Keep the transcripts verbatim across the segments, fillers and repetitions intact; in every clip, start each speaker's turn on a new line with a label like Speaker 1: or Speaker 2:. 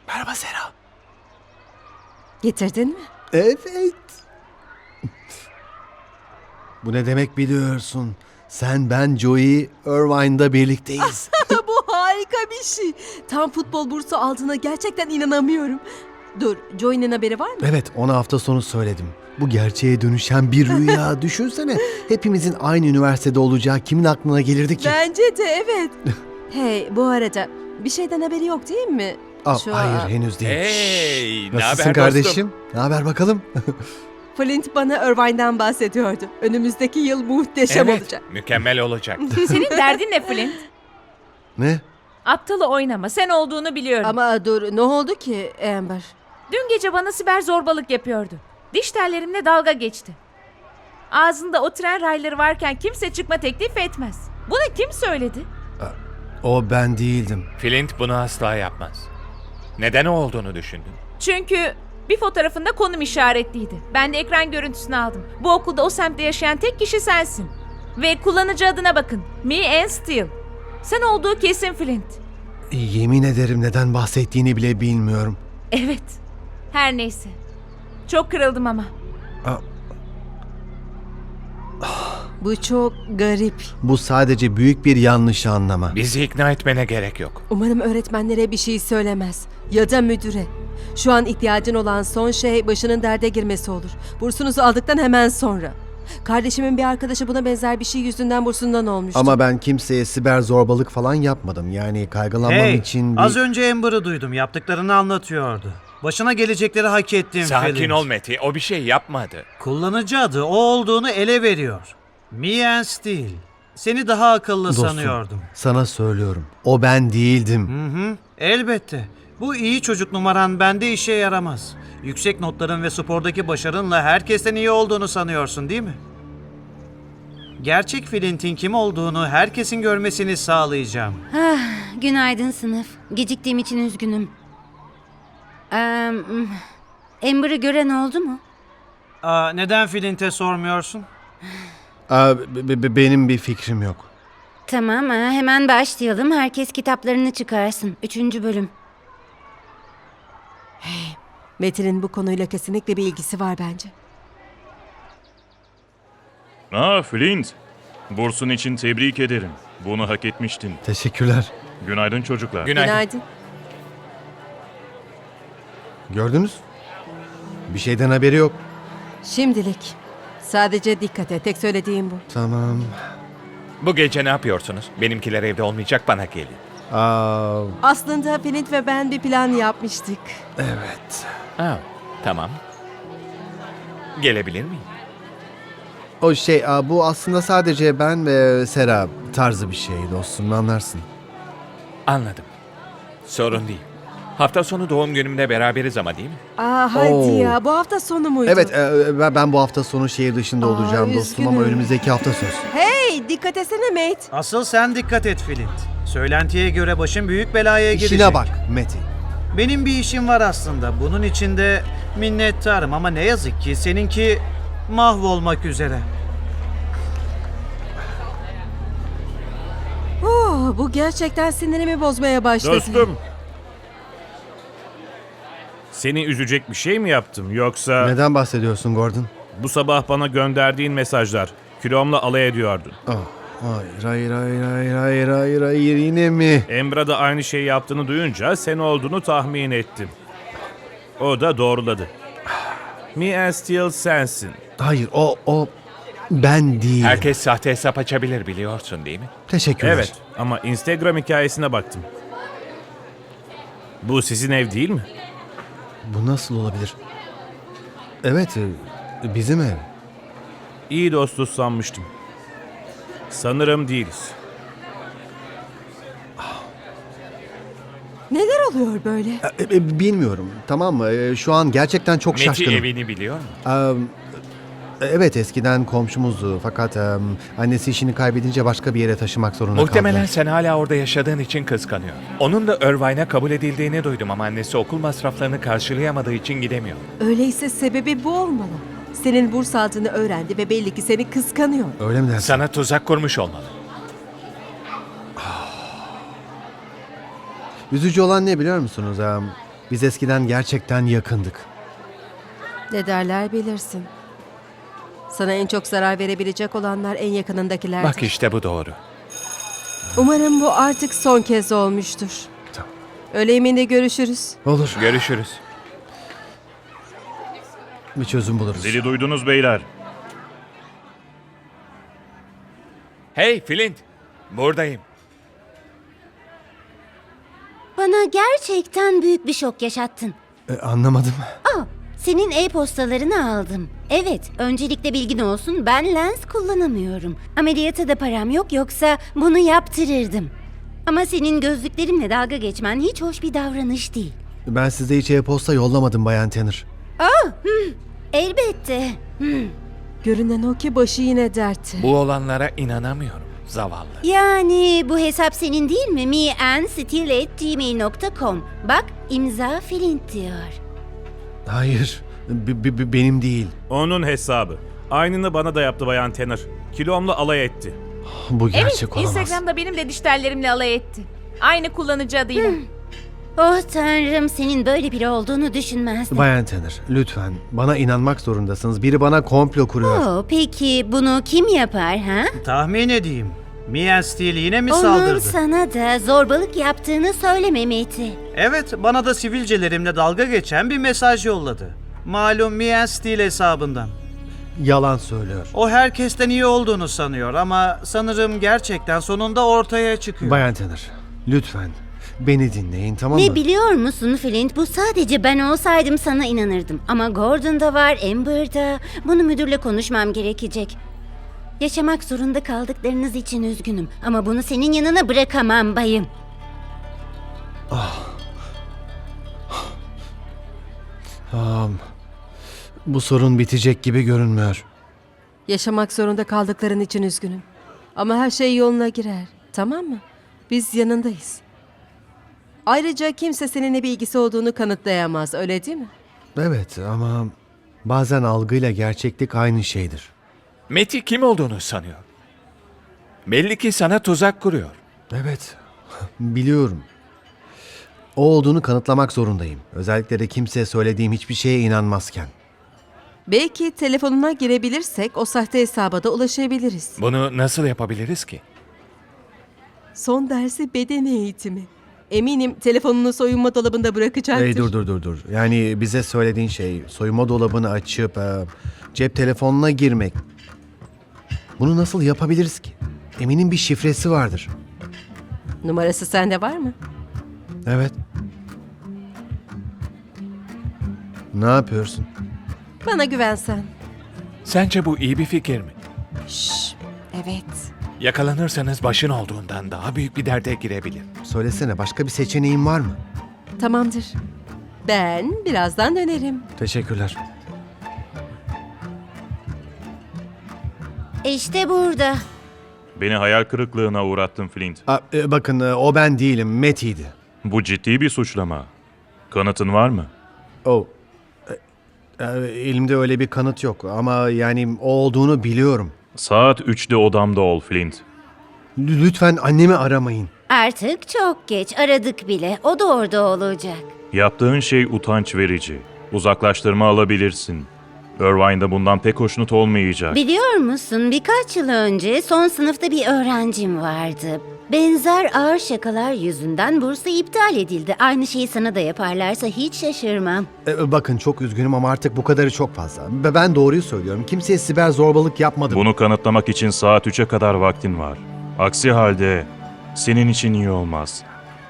Speaker 1: Merhaba Sera.
Speaker 2: Getirdin mi?
Speaker 1: Evet. Bu ne demek biliyorsun? Sen, ben, Joey, Irvine'da birlikteyiz.
Speaker 2: Bu harika bir şey. Tam futbol bursu aldığına gerçekten inanamıyorum. Dur, Joey'nin haberi var mı?
Speaker 1: Evet, ona hafta sonu söyledim. Bu gerçeğe dönüşen bir rüya. Düşünsene, hepimizin aynı üniversitede olacağı kimin aklına gelirdi ki?
Speaker 2: Bence de evet. Hey, bu arada bir şeyden haberi yok değil mi?
Speaker 1: Aa,
Speaker 2: Şu
Speaker 1: hayır,
Speaker 2: an-
Speaker 1: henüz değil.
Speaker 3: Hey, ne
Speaker 1: Nasılsın
Speaker 3: haber
Speaker 1: kardeşim?
Speaker 3: dostum?
Speaker 1: Ne haber bakalım?
Speaker 2: Flint bana Irvine'den bahsediyordu. Önümüzdeki yıl muhteşem
Speaker 3: Evet,
Speaker 2: olacak.
Speaker 3: mükemmel olacak.
Speaker 4: Senin derdin ne Flint?
Speaker 1: Ne?
Speaker 4: Aptalı oynama. Sen olduğunu biliyorum.
Speaker 2: Ama dur, ne oldu ki Amber?
Speaker 4: Dün gece bana siber zorbalık yapıyordu. Diş tellerimle dalga geçti. Ağzında o tren rayları varken kimse çıkma teklif etmez. Bunu kim söyledi?
Speaker 1: O ben değildim.
Speaker 3: Flint bunu asla yapmaz. Neden o olduğunu düşündün?
Speaker 4: Çünkü bir fotoğrafında konum işaretliydi. Ben de ekran görüntüsünü aldım. Bu okulda o semtte yaşayan tek kişi sensin. Ve kullanıcı adına bakın. Me and Steel. Sen olduğu kesin Flint.
Speaker 1: Yemin ederim neden bahsettiğini bile bilmiyorum.
Speaker 4: Evet. Her neyse. Çok kırıldım ama.
Speaker 2: Bu çok garip.
Speaker 1: Bu sadece büyük bir yanlış anlama.
Speaker 3: Bizi ikna etmene gerek yok.
Speaker 2: Umarım öğretmenlere bir şey söylemez. Ya da müdüre. Şu an ihtiyacın olan son şey başının derde girmesi olur. Bursunuzu aldıktan hemen sonra. Kardeşimin bir arkadaşı buna benzer bir şey yüzünden bursundan olmuştu.
Speaker 1: Ama ben kimseye siber zorbalık falan yapmadım. Yani kaygılanmam
Speaker 5: Hey,
Speaker 1: için bir...
Speaker 5: az önce Amber'ı duydum. Yaptıklarını anlatıyordu. Başına gelecekleri hak ettin
Speaker 3: Sakin
Speaker 5: Flint.
Speaker 3: ol Meti, o bir şey yapmadı.
Speaker 5: Kullanıcı adı o olduğunu ele veriyor. Me and Steel. Seni daha akıllı
Speaker 1: Dostum,
Speaker 5: sanıyordum.
Speaker 1: sana söylüyorum. O ben değildim.
Speaker 5: Hı hı, elbette. Bu iyi çocuk numaran bende işe yaramaz. Yüksek notların ve spordaki başarınla herkesten iyi olduğunu sanıyorsun değil mi? Gerçek Flint'in kim olduğunu herkesin görmesini sağlayacağım.
Speaker 6: Günaydın sınıf. Geciktiğim için üzgünüm. Ee, Amber'ı gören oldu mu?
Speaker 5: Aa, neden Flint'e sormuyorsun?
Speaker 1: Aa, be- be- benim bir fikrim yok.
Speaker 6: Tamam, ha, hemen başlayalım. Herkes kitaplarını çıkarsın. Üçüncü bölüm.
Speaker 2: Metin'in bu konuyla kesinlikle bir ilgisi var bence.
Speaker 7: Aa Flint, bursun için tebrik ederim. Bunu hak etmiştin.
Speaker 1: Teşekkürler.
Speaker 7: Günaydın çocuklar.
Speaker 3: Günaydın.
Speaker 2: Günaydın.
Speaker 1: Gördünüz? Bir şeyden haberi yok.
Speaker 2: Şimdilik. Sadece dikkat et. Tek söylediğim bu.
Speaker 1: Tamam.
Speaker 3: Bu gece ne yapıyorsunuz? Benimkiler evde olmayacak, bana gelin.
Speaker 1: Aa,
Speaker 2: Aslında Flint ve ben bir plan yapmıştık.
Speaker 1: evet.
Speaker 3: Aa, tamam. Gelebilir miyim?
Speaker 1: O şey, aa, bu aslında sadece ben ve Sera tarzı bir şey dostum, anlarsın.
Speaker 3: Anladım. Sorun değil. Hafta sonu doğum günümde beraberiz ama değil mi?
Speaker 2: Aa hadi
Speaker 1: Oo.
Speaker 2: ya. Bu hafta sonu muydu?
Speaker 1: Evet, e, ben- ben bu hafta sonu şehir dışında
Speaker 2: Aa,
Speaker 1: olacağım dostum ama
Speaker 2: üzgünüm.
Speaker 1: önümüzdeki hafta söz.
Speaker 2: Hey, dikkat etsene Mate.
Speaker 5: Asıl sen dikkat et Flint. Söylentiye göre başın büyük belaya girecek.
Speaker 1: İşine bak Meti.
Speaker 5: Benim bir işim var aslında. Bunun için de minnettarım ama ne yazık ki seninki mahvolmak üzere.
Speaker 2: Oh, bu gerçekten sinirimi bozmaya başladı.
Speaker 8: Dostum. Seni üzecek bir şey mi yaptım yoksa
Speaker 1: Neden bahsediyorsun Gordon?
Speaker 8: bu sabah bana gönderdiğin mesajlar kilomla alay ediyordun.
Speaker 1: Ah, hayır, hayır, hayır, hayır, hayır, hayır, hayır, yine mi?
Speaker 8: Emrah da aynı şeyi yaptığını duyunca sen olduğunu tahmin ettim. O da doğruladı. Me and Steel sensin.
Speaker 1: Hayır, o, o ben değil.
Speaker 3: Herkes sahte hesap açabilir, biliyorsun değil mi?
Speaker 1: Teşekkürler.
Speaker 8: Evet ama Instagram hikayesine baktım. Bu sizin ev değil mi?
Speaker 1: Bu nasıl olabilir? Evet, e, bizim ev.
Speaker 8: İyi dostuz sanmıştım. Sanırım değiliz.
Speaker 2: Neler oluyor böyle?
Speaker 1: E, e, bilmiyorum, tamam mı? E, şu an gerçekten çok
Speaker 3: Meti
Speaker 1: şaşkınım.
Speaker 3: evini biliyor mu?
Speaker 1: Am, evet, eskiden komşumuzdu fakat am, annesi işini kaybedince başka bir yere taşımak zorunda
Speaker 3: Muhtemelen
Speaker 1: kaldı.
Speaker 3: sen hala orada yaşadığın için kıskanıyor. Onun da Irvine'a kabul edildiğini duydum ama annesi okul masraflarını karşılayamadığı için gidemiyor.
Speaker 2: Öyleyse sebebi bu olmalı. Senin burs aldığını öğrendi ve belli ki seni kıskanıyor.
Speaker 1: Öyle mi dersin?
Speaker 3: Sana tuzak kurmuş olmalı.
Speaker 1: Üzücü olan ne biliyor musunuz? Am, Biz eskiden gerçekten yakındık.
Speaker 2: Ne derler bilirsin. Sana en çok zarar verebilecek olanlar en yakınındakilerdir.
Speaker 3: Bak işte bu doğru.
Speaker 2: Umarım bu artık son kez olmuştur.
Speaker 1: Tamam.
Speaker 2: Öğle yemeğinde görüşürüz.
Speaker 1: Olur.
Speaker 3: Görüşürüz.
Speaker 1: Bir çözüm buluruz.
Speaker 7: Zili duydunuz beyler.
Speaker 3: Hey Flint, buradayım.
Speaker 6: Bana gerçekten büyük bir şok yaşattın.
Speaker 1: E, anlamadım.
Speaker 6: Aa, senin e-postalarını aldım. Evet, öncelikle bilgin olsun, ben lens kullanamıyorum. Ameliyata da param yok, yoksa bunu yaptırırdım. Ama senin gözlüklerimle dalga geçmen hiç hoş bir davranış değil.
Speaker 1: Ben size hiç e-posta yollamadım Bayan Tanner.
Speaker 6: Elbette.
Speaker 2: Görünen o ki başı yine dertte.
Speaker 3: Bu olanlara inanamıyorum. Zavallı.
Speaker 6: Yani bu hesap senin değil mi? meandstill at gmail nokta com. Bak, imza Flint diyor.
Speaker 1: Hayır. B- b- b- benim değil.
Speaker 8: Onun hesabı. Aynını bana da yaptı Bayan Tanner. Kilomla alay etti.
Speaker 1: Bu
Speaker 4: Evet,
Speaker 1: gerçek olamaz.
Speaker 4: Instagram'da benim de diş tellerimle alay etti. Aynı kullanıcı adıyla.
Speaker 6: Oh tanrım, senin böyle biri olduğunu düşünmezdim.
Speaker 1: Bayan Tanner, lütfen bana inanmak zorundasınız. Biri bana komplo kuruyor.
Speaker 6: Oh, peki bunu kim yapar ha?
Speaker 5: Tahmin edeyim. Mia Steele yine mi
Speaker 6: Onun
Speaker 5: saldırdı?
Speaker 6: sana da zorbalık yaptığını söylememeti.
Speaker 5: Evet, bana da sivilcelerimle dalga geçen bir mesaj yolladı. Malum Mia Steele hesabından.
Speaker 1: Yalan söylüyor.
Speaker 5: O herkesten iyi olduğunu sanıyor ama sanırım gerçekten sonunda ortaya çıkıyor.
Speaker 1: Bayan Tanner, lütfen beni dinleyin, tamam mı?
Speaker 6: Ne biliyor musun Flint? Bu sadece ben olsaydım sana inanırdım. Ama Gordon da var, Amber da. Bunu müdürle konuşmam gerekecek. Yaşamak zorunda kaldıklarınız için üzgünüm. Ama bunu senin yanına bırakamam bayım.
Speaker 1: Tamam. Bu sorun bitecek gibi görünmüyor.
Speaker 2: Yaşamak zorunda kaldıkların için üzgünüm. Ama her şey yoluna girer. Tamam mı? Biz yanındayız. Ayrıca kimse seninle bir ilgisi olduğunu kanıtlayamaz. Öyle değil mi?
Speaker 1: Evet ama bazen algıyla gerçeklik aynı şeydir.
Speaker 3: Meti kim olduğunu sanıyor. Belli ki sana tuzak kuruyor.
Speaker 1: Evet, biliyorum. O olduğunu kanıtlamak zorundayım. Özellikle de kimseye söylediğim hiçbir şeye inanmazken.
Speaker 2: Belki telefonuna girebilirsek o sahte hesaba da ulaşabiliriz.
Speaker 3: Bunu nasıl yapabiliriz ki?
Speaker 2: Son dersi beden eğitimi. Eminim telefonunu soyunma dolabında bırakacaktır.
Speaker 1: Hey dur dur dur dur. Yani bize söylediğin şey soyunma dolabını açıp e, cep telefonuna girmek. Bunu nasıl yapabiliriz ki? Eminim bir şifresi vardır.
Speaker 2: Numarası sende var mı?
Speaker 1: Evet. Ne yapıyorsun?
Speaker 2: Bana güvensen.
Speaker 3: Sence bu iyi bir fikir mi?
Speaker 2: Şşş. Evet.
Speaker 3: Yakalanırsanız başın olduğundan daha büyük bir derde girebilir.
Speaker 1: Söylesene, başka bir seçeneğin var mı?
Speaker 2: Tamamdır. Ben birazdan dönerim.
Speaker 1: Teşekkürler.
Speaker 6: İşte burada.
Speaker 7: Beni hayal kırıklığına uğrattın Flint.
Speaker 1: Aa, e, bakın e, o ben değilim, Matty'ydi.
Speaker 7: Bu ciddi bir suçlama. Kanıtın var mı?
Speaker 1: O. E, e, elimde öyle bir kanıt yok ama yani o olduğunu biliyorum.
Speaker 7: Saat üçte odamda ol Flint.
Speaker 1: L- lütfen annemi aramayın.
Speaker 6: Artık çok geç, aradık bile. O da orada olacak.
Speaker 7: Yaptığın şey utanç verici. Uzaklaştırma alabilirsin. Irvine de bundan pek hoşnut olmayacak.
Speaker 6: Biliyor musun, birkaç yıl önce son sınıfta bir öğrencim vardı. Benzer ağır şakalar yüzünden bursu iptal edildi. Aynı şeyi sana da yaparlarsa hiç şaşırmam.
Speaker 1: E, bakın çok üzgünüm ama artık bu kadarı çok fazla. Ve ben doğruyu söylüyorum. Kimseye siber zorbalık yapmadım.
Speaker 7: Bunu kanıtlamak için saat üçe kadar vaktin var. Aksi halde senin için iyi olmaz.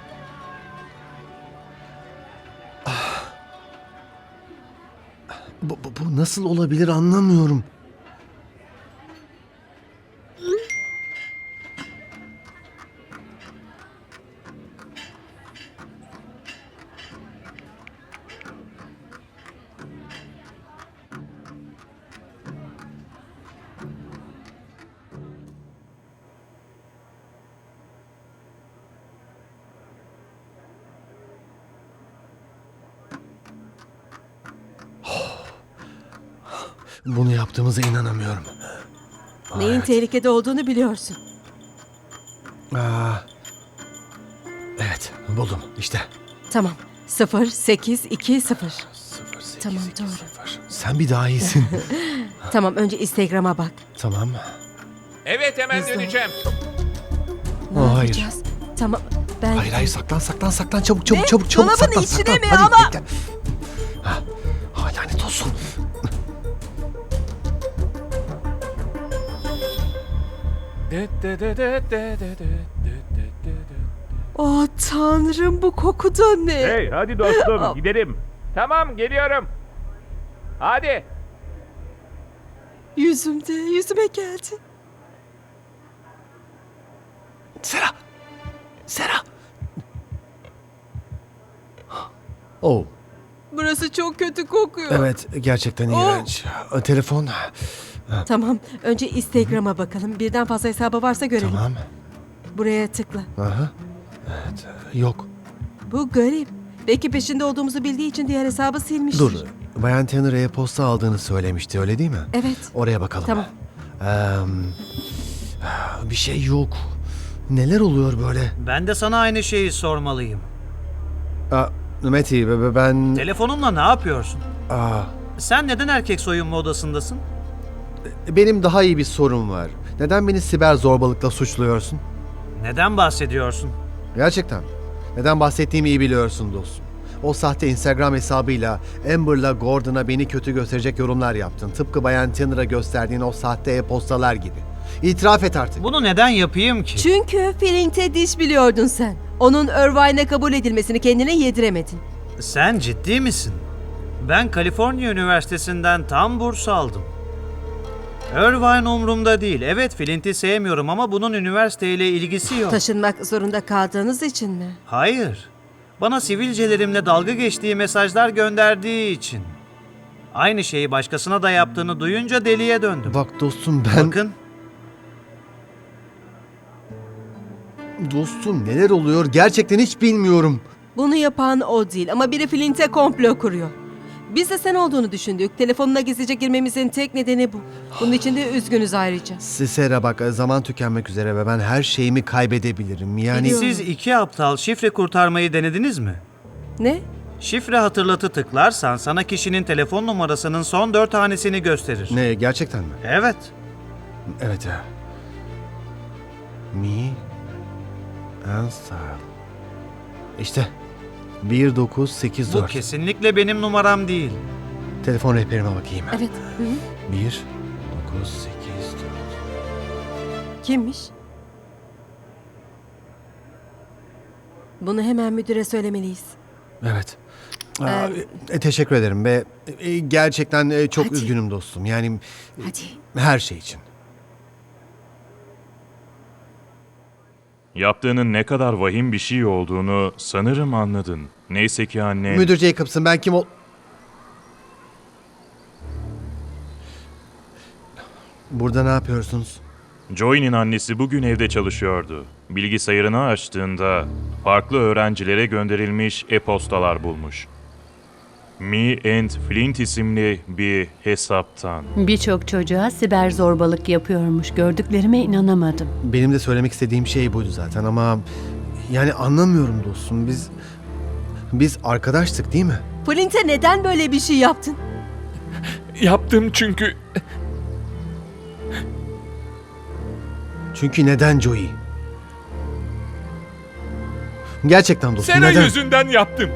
Speaker 1: Bu, bu, bu nasıl olabilir anlamıyorum. Bunu yaptığımıza inanamıyorum.
Speaker 2: Neyin
Speaker 1: Evet.
Speaker 2: tehlikede olduğunu biliyorsun.
Speaker 1: Aa, evet, buldum işte.
Speaker 2: Tamam. sıfır sekiz iki sıfır. Tamam, doğru.
Speaker 1: Sen bir daha iyisin.
Speaker 2: Tamam, önce Instagram'a bak.
Speaker 1: Tamam.
Speaker 3: Evet, hemen
Speaker 2: Hızlı.
Speaker 3: döneceğim.
Speaker 2: Ne
Speaker 1: Aa, hayır.
Speaker 2: yapacağız? Tamam, ben...
Speaker 1: Hayır hayır saklan saklan saklan çabuk çabuk
Speaker 2: Ne?
Speaker 1: çabuk çabuk
Speaker 2: Dolabın
Speaker 1: saklan
Speaker 2: içine
Speaker 1: saklan.
Speaker 2: mi?
Speaker 1: Hadi,
Speaker 2: Ama-
Speaker 1: bekle. Ha, ha, lanet olsun.
Speaker 2: Oh tanrım, bu koku da ne?
Speaker 8: Hey hadi dostum gidelim.
Speaker 3: Tamam, geliyorum. Hadi.
Speaker 2: Yüzümde, yüzüme geldi.
Speaker 1: Sera. Sera. Oh,
Speaker 2: Burası çok kötü kokuyor.
Speaker 1: evet gerçekten
Speaker 2: Oh.
Speaker 1: iğrenç. Telefon.
Speaker 2: Tamam, önce Instagram'a bakalım. Birden fazla hesabı varsa görelim.
Speaker 1: Tamam.
Speaker 2: Buraya tıkla.
Speaker 1: Aha. Evet. Yok.
Speaker 2: Bu garip. Belki peşinde olduğumuzu bildiği için diğer hesabı silmiştir.
Speaker 1: Dur. Bayan Tanner e-posta aldığını söylemişti öyle değil mi?
Speaker 2: Evet.
Speaker 1: Oraya bakalım.
Speaker 2: Tamam.
Speaker 1: Eee, bir şey yok. Neler oluyor böyle?
Speaker 5: Ben de sana aynı şeyi sormalıyım.
Speaker 1: Aa, Meti be- be- ben...
Speaker 5: Telefonunla ne yapıyorsun?
Speaker 1: Aa,
Speaker 5: Sen neden erkek soyunma odasındasın?
Speaker 1: benim daha iyi bir sorum var. Neden beni siber zorbalıkla suçluyorsun?
Speaker 5: Neden bahsediyorsun?
Speaker 1: Gerçekten. Neden bahsettiğimi iyi biliyorsun dostum. O sahte Instagram hesabıyla Amber'la Gordon'a beni kötü gösterecek yorumlar yaptın. Tıpkı Bayan Tanner'a gösterdiğin o sahte e-postalar gibi. İtiraf et artık.
Speaker 5: Bunu neden yapayım ki?
Speaker 2: Çünkü Filling'te diş biliyordun sen. Onun Irvine'e kabul edilmesini kendine yediremedin.
Speaker 5: Sen ciddi misin? Ben Kaliforniya Üniversitesi'nden tam burs aldım. Irvine umurumda değil. Evet, Flint'i sevmiyorum ama bunun üniversiteyle ilgisi yok.
Speaker 2: Taşınmak zorunda kaldığınız için mi?
Speaker 5: Hayır. Bana sivilcelerimle dalga geçtiği mesajlar gönderdiği için. Aynı şeyi başkasına da yaptığını duyunca deliye döndüm.
Speaker 1: Bak dostum ben...
Speaker 5: Bakın,
Speaker 1: Dostum neler oluyor gerçekten hiç bilmiyorum.
Speaker 2: Bunu yapan o değil ama biri Flint'e komplo kuruyor. Biz de sen olduğunu düşündük. Telefonuna gizlice girmemizin tek nedeni bu. Bunun için de üzgünüz ayrıca.
Speaker 1: Sera bak zaman tükenmek üzere ve ben her şeyimi kaybedebilirim. Yani
Speaker 2: Biliyorum.
Speaker 5: siz iki aptal şifre kurtarmayı denediniz mi?
Speaker 2: Ne?
Speaker 5: Şifre hatırlatı tıklarsan sana kişinin telefon numarasının son dört hanesini gösterir.
Speaker 1: ne gerçekten mi?
Speaker 5: Evet.
Speaker 1: Evet ya. Me and Style. İşte bir dokuz sekiz
Speaker 5: Bu
Speaker 1: dört.
Speaker 5: kesinlikle benim numaram değil.
Speaker 1: Telefon rehberime bakayım.
Speaker 2: Evet. Hı hı.
Speaker 1: bir dokuz sekiz dört.
Speaker 2: Kimmiş? Bunu hemen müdüre söylemeliyiz.
Speaker 1: Evet. Aa,
Speaker 2: Ee,
Speaker 1: e, teşekkür ederim ve e, gerçekten e, çok
Speaker 2: Hadi.
Speaker 1: üzgünüm dostum. Yani
Speaker 2: Hadi.
Speaker 1: her şey için.
Speaker 7: Yaptığının ne kadar vahim bir şey olduğunu sanırım anladın. Neyse ki anne...
Speaker 1: Müdür Jacobs'ın ben kim ol... Burada ne yapıyorsunuz?
Speaker 7: Joey'nin annesi bugün evde çalışıyordu. Bilgisayarını açtığında farklı öğrencilere gönderilmiş e-postalar bulmuş. Me and Flint isimli bir hesaptan.
Speaker 9: Birçok çocuğa siber zorbalık yapıyormuş. Gördüklerime inanamadım.
Speaker 1: Benim de söylemek istediğim şey buydu zaten ama... Yani anlamıyorum dostum. Biz... Biz arkadaştık değil mi?
Speaker 2: Flint'e neden böyle bir şey yaptın?
Speaker 3: Yaptım çünkü...
Speaker 1: Çünkü neden Joey? Gerçekten dostum
Speaker 3: Sera
Speaker 1: neden?
Speaker 3: yüzünden yaptım.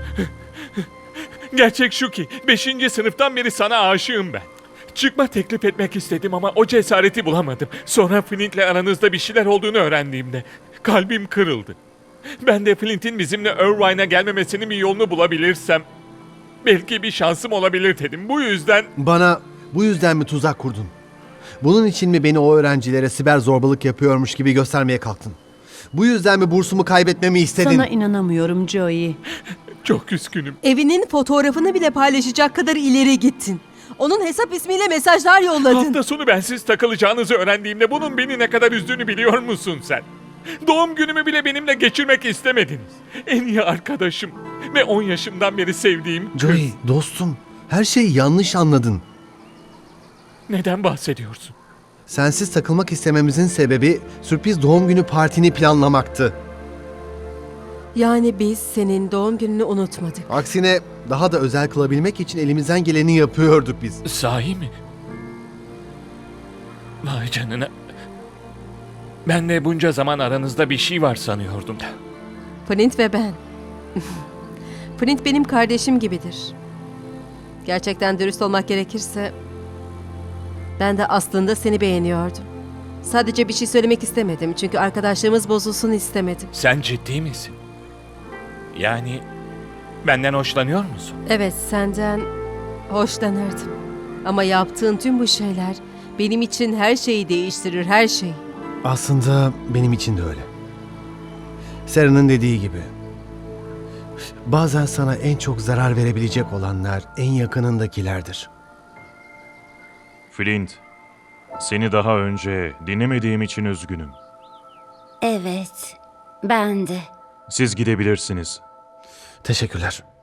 Speaker 3: Gerçek şu ki beşinci sınıftan beri sana aşığım ben. Çıkma teklif etmek istedim ama o cesareti bulamadım. Sonra Flint'le aranızda bir şeyler olduğunu öğrendiğimde kalbim kırıldı. Ben de Flint'in bizimle Irvine'a gelmemesinin bir yolunu bulabilirsem belki bir şansım olabilir dedim. Bu yüzden
Speaker 1: Bana bu yüzden mi tuzak kurdun? Bunun için mi beni o öğrencilere siber zorbalık yapıyormuş gibi göstermeye kalktın? Bu yüzden mi bursumu kaybetmemi istedin?
Speaker 9: Sana inanamıyorum Joey.
Speaker 3: çok üzgünüm.
Speaker 2: Evinin fotoğrafını bile paylaşacak kadar ileri gittin. Onun hesap ismiyle mesajlar yolladın.
Speaker 3: Hafta sonu bensiz takılacağınızı öğrendiğimde bunun beni ne kadar üzdüğünü biliyor musun sen? Doğum günümü bile benimle geçirmek istemediniz. En iyi arkadaşım ve on yaşımdan beri sevdiğim kız.
Speaker 1: Joey dostum her şeyi yanlış anladın.
Speaker 3: Neden bahsediyorsun?
Speaker 1: Sensiz takılmak istememizin sebebi sürpriz doğum günü partini planlamaktı.
Speaker 2: Yani biz senin doğum gününü unutmadık.
Speaker 1: Aksine daha da özel kılabilmek için elimizden geleni yapıyorduk biz.
Speaker 3: Sahi mi? Vay canına. Ben de bunca zaman aranızda bir şey var sanıyordum.
Speaker 2: Flint ve ben. Flint benim kardeşim gibidir. Gerçekten dürüst olmak gerekirse ben de aslında seni beğeniyordum. Sadece bir şey söylemek istemedim çünkü arkadaşlığımız bozulsun istemedim.
Speaker 3: Sen ciddi misin? Yani benden hoşlanıyor musun?
Speaker 2: Evet, senden hoşlanırdım. Ama yaptığın tüm bu şeyler benim için her şeyi değiştirir, her şeyi.
Speaker 1: Aslında benim için de öyle. Sarah'nın dediği gibi. Bazen sana en çok zarar verebilecek olanlar en yakınındakilerdir.
Speaker 7: Flint, seni daha önce dinlemediğim için üzgünüm.
Speaker 6: Evet, ben de.
Speaker 7: Siz gidebilirsiniz.
Speaker 1: Teşekkürler.